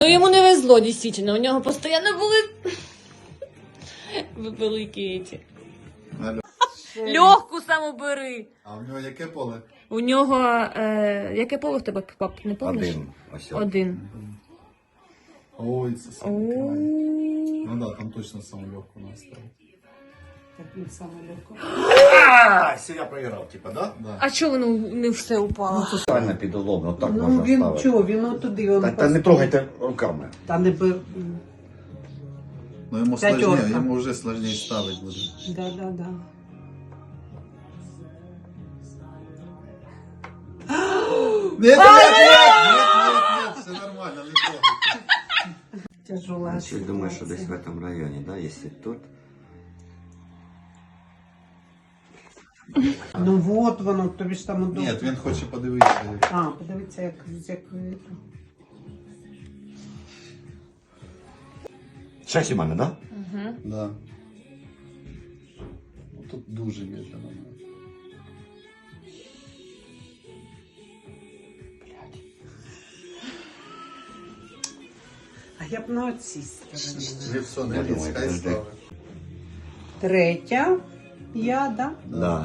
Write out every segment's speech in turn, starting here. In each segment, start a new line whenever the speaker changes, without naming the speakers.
Ну йому не везло, дійсно. У нього постійно були великі ці. Легку саму бери.
А в нього яке поле?
У нього, яке поле в тебе, пап, не пам'ятаєш? Один.
Ой, це саме крайне. Ну да, там точно саму легку настав.
Так він саме легко.
Все, я проиграл, типа, да?
Да.
А чого воно не все упало?
Правильно підолом, ну так
Ну
можна
він
ставити.
чого, він отуди, він
Та не трогайте руками.
Та не бив.
Ну йому
П'ятерка.
сложніше, йому вже сложніше ставити буде.
Да.
Нет, все нормально, не трогайте.
Тяжела.
Я думаю, що десь в этом районе, да, если тут.
Ну вот воно, тобі ж там удобно.
Ні, він хоче подивитися.
А, подивіться, як
Шесть у мене, да?
Да. Ну, тут дуже медленно.
А я б на цій стороні.
Лицо не
Я
ліс,
думаю,
хай
подожди.
ставить.
Третя. Я, да?
Да.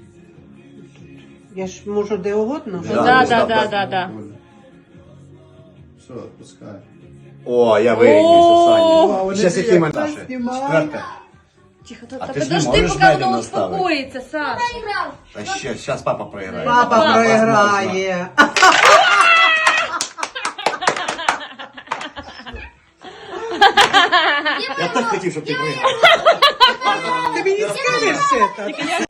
Я ж можу де угодно.
Да.
Все, отпускай.
О, я
О,
вирівнявся, Саня.
вони
Сейчас які мене наші?
знімай.
Четверта.
Тихо,
А
та
ти ж не
подожди,
можеш
поки воно
медленно ставити.
успокоїться, Саш.
Та ще, зараз папа проіграє.
Папа проіграє.
Я так хотів, щоб ти проіграв.
Ти мені скажеш це?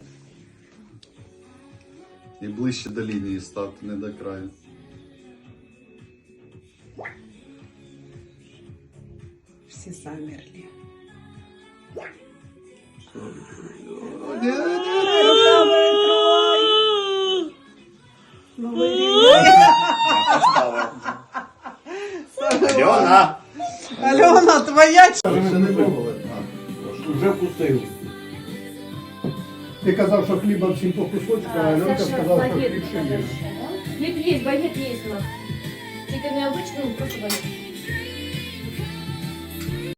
І ближче до лінії ставте, не до краю.
Всі замерли. Ну,
Альона!
Альона, твоя
Ще не пробували?
Вже вкусив. Ти казав, що хліба всім по кусочку, а Альонка сказала, що хліб ще є.
Хліб є, багет є у нас. Тільки не обичний, просто багет.